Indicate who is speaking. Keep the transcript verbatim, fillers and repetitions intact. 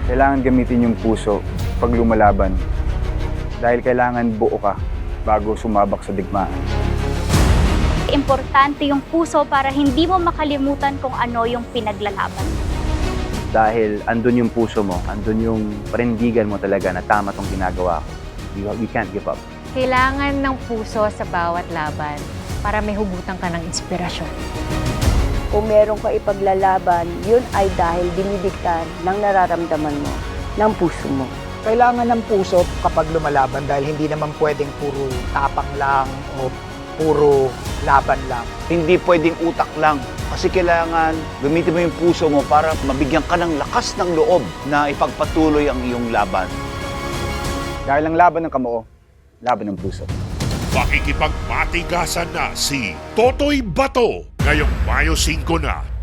Speaker 1: Kailangan gamitin yung puso pag lumalaban. Dahil kailangan buo ka bago sumabak sa digmaan.
Speaker 2: Importante yung puso para hindi mo makalimutan kung ano yung pinaglalaban.
Speaker 1: Dahil andun yung puso mo, andun yung panindigan mo talaga na tama tong ginagawa ko. We, we can't give up.
Speaker 3: Kailangan ng puso sa bawat laban para may hugutan ka ng inspirasyon.
Speaker 4: Kung meron ka ipaglalaban, yun ay dahil dinidiktan ng nararamdaman mo, ng puso mo.
Speaker 5: Kailangan ng puso kapag lumalaban dahil hindi naman pwedeng puro tapang lang o puro laban lang.
Speaker 6: Hindi pwedeng utak lang kasi kailangan gamitin mo yung puso mo para mabigyan ka ng lakas ng loob na ipagpatuloy ang iyong laban.
Speaker 1: Dahil ang laban ng kamao, laban ng puso.
Speaker 7: Makikipagmatigasan na si Totoy Bato ngayong Mayo singko na